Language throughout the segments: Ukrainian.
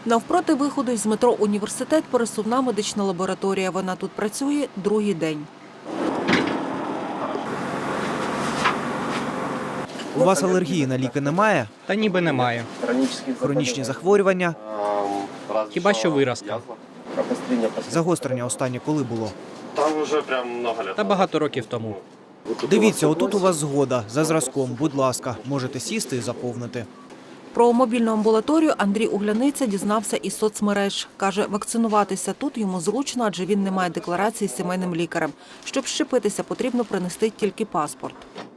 Навпроти виходу з метро «Університет» пересувна медична лабораторія. Вона тут працює другий день. У вас алергії на ліки немає? Та ніби немає. Хронічні захворювання? Хіба що виразка. Загострення останнє коли було? Там вже прям много лет. Та багато років тому. Дивіться, отут у вас згода. За зразком, будь ласка, можете сісти і заповнити. Про мобільну амбулаторію Андрій Угляниця дізнався із соцмереж. Каже, вакцинуватися тут йому зручно, адже він не має декларації з сімейним лікарем. Щоб щепитися, потрібно принести тільки паспорт.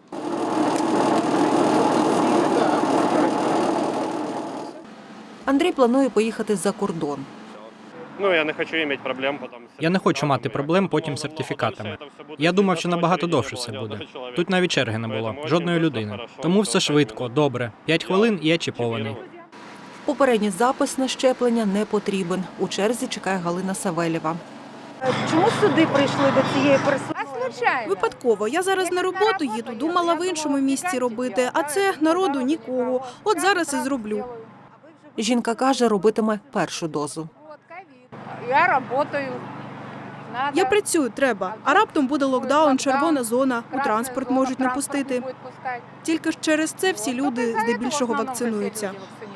Андрій планує поїхати за кордон. Ну, я не хочу мати проблем потім. Я не хочу мати проблем потім з сертифікатами. Я думав, що набагато довше все буде. Тут навіть черги не було, жодної людини. Тому все швидко, добре. 5 хвилин і я чіпований. Попередній запис на щеплення не потрібен. У черзі чекає Галина Савельєва. Чому сюди прийшли до цієї пересувної? Випадково. Я зараз на роботу їду, думала в іншому місці робити, а це народу нікого. От зараз і зроблю. Жінка каже, робитиме першу дозу. Я працюю. Я працюю, треба. А раптом буде локдаун, червона зона, у транспорт можуть не пустити. Тільки ж через це всі люди здебільшого вакцинуються.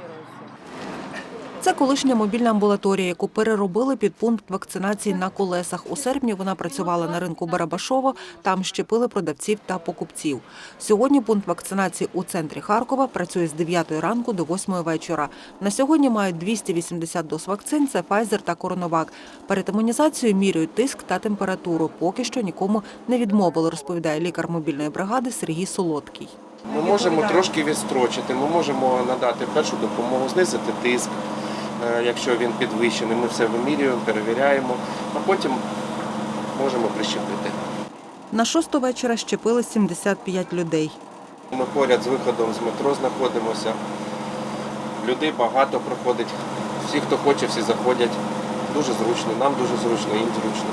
Це колишня мобільна амбулаторія, яку переробили під пункт вакцинації на колесах. У серпні вона працювала на ринку Барабашово, там щепили продавців та покупців. Сьогодні пункт вакцинації у центрі Харкова працює з 9 ранку до 8 вечора. На сьогодні мають 280 доз вакцин, це Pfizer та CoronaVac. Перед імунізацією міряють тиск та температуру. Поки що нікому не відмовили, розповідає лікар мобільної бригади Сергій Солодкий. Ми можемо трошки відстрочити, ми можемо надати першу допомогу, знизити тиск, якщо він підвищений. Ми все вимірюємо, перевіряємо, а потім можемо прищепити. На 6 вечора щепили 75 людей. Ми поряд з виходом з метро знаходимося. Людей багато проходить. Всі, хто хоче, всі заходять. Дуже зручно, нам дуже зручно, їм зручно.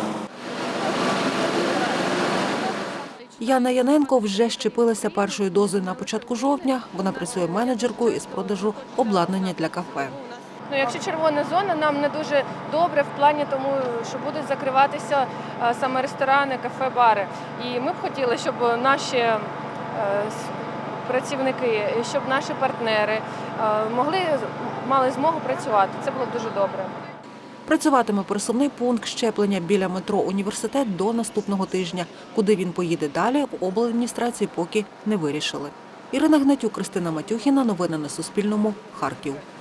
Яна Яненко вже щепилася першою дозою на початку жовтня. Вона працює менеджеркою із продажу обладнання для кафе. Ну, якщо червона зона, нам не дуже добре в плані тому, що будуть закриватися саме ресторани, кафе, бари. І ми б хотіли, щоб наші працівники, щоб наші партнери мали змогу працювати. Це було б дуже добре. Працюватиме пересувний пункт щеплення біля метро «Університет» до наступного тижня. Куди він поїде далі, в обладміністрації поки не вирішили. Ірина Гнатюк, Кристина Матюхіна. Новини на Суспільному. Харків.